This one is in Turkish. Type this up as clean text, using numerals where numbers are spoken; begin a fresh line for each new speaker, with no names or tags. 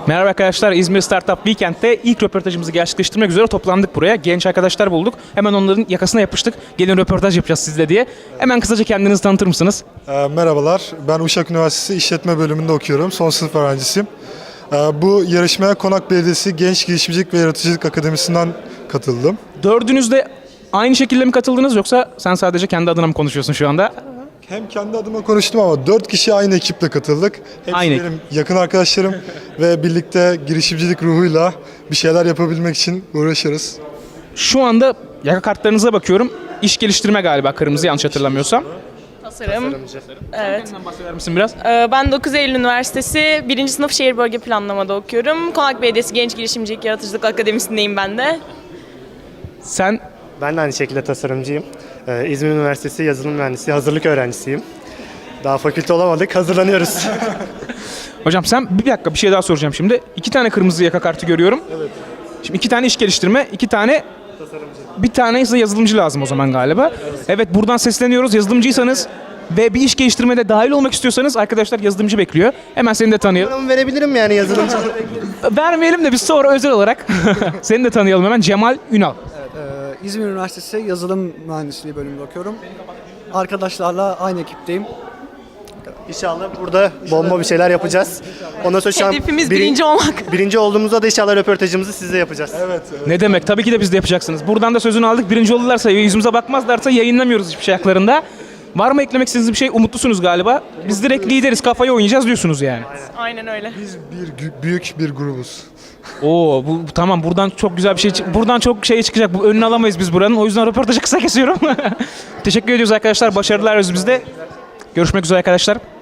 Merhaba arkadaşlar, İzmir Startup Weekend'te ilk röportajımızı gerçekleştirmek üzere toplandık buraya. Genç arkadaşlar bulduk. Hemen onların yakasına yapıştık. Gelin röportaj yapacağız sizle diye. Hemen kısaca kendinizi tanıtır mısınız?
Merhabalar, ben Uşak Üniversitesi İşletme Bölümünde okuyorum. Son sınıf öğrencisiyim. Bu yarışmaya Konak Belediyesi Genç Girişimcilik ve Yaratıcılık Akademisi'nden katıldım.
Dördünüz de aynı şekilde mi katıldınız yoksa sen sadece kendi adına mı konuşuyorsun şu anda?
Hem kendi adıma konuştum ama 4 kişi aynı ekiple katıldık. Hepsi
Aynı
benim yakın arkadaşlarım ve birlikte girişimcilik ruhuyla bir şeyler yapabilmek için uğraşırız.
Şu anda yaka kartlarınıza bakıyorum. İş geliştirme galiba kırmızı, yanlış hatırlamıyorsam.
Tasarım. Evet.
Kendinden bahseder misin biraz?
Ben 9 Eylül Üniversitesi 1. sınıf Şehir Bölge Planlamada okuyorum. Konak Belediyesi Genç Girişimcilik Yaratıcılık Akademisi'ndeyim ben de.
Sen
Ben de aynı şekilde tasarımcıyım. İzmir Üniversitesi Yazılım Mühendisliği hazırlık öğrencisiyim. Daha fakülte olamadık, hazırlanıyoruz.
hocam sen bir dakika bir şey daha soracağım şimdi. 2 tane kırmızı yaka kartı görüyorum. Evet. Şimdi 2 tane iş geliştirme, 2 tane tasarımcı. Bir tane ise yazılımcı lazım o zaman galiba. Evet, buradan sesleniyoruz. Yazılımcıysanız ve bir iş geliştirmede dahil olmak istiyorsanız arkadaşlar yazılımcı bekliyor. Hemen seni de tanıyalım.
Numaramı verebilirim yani yazılımcı.
Vermeyelim de biz sonra özel olarak seni de tanıyalım hemen. Cemal Ünal.
İzmir Üniversitesi Yazılım Mühendisliği bölümünde okuyorum. Arkadaşlarla aynı ekipteyim.
İnşallah burada bomba bir şeyler yapacağız. Ondan sonra şu an
Hedefimiz birinci olmak.
birinci olduğumuzda da inşallah röportajımızı sizle yapacağız.
Evet,
Ne demek? Tabii ki de biz de yapacaksınız. Buradan da sözünü aldık. Birinci olurlarsa, yüzümüze bakmazlarsa yayınlamıyoruz hiçbir şey haklarında. Var mı eklemek istediğiniz bir şey? Umutlusunuz galiba. Biz direkt lideriz, kafayı oynayacağız diyorsunuz yani.
Aynen öyle.
biz büyük bir grubuz.
Oo, bu tamam, buradan çok güzel bir şey buradan çok şey çıkacak. Bu önünü alamayız biz buranın. O yüzden röportajı kısa kesiyorum. Teşekkür ediyoruz arkadaşlar. Başarılar bizde. Görüşmek üzere arkadaşlar.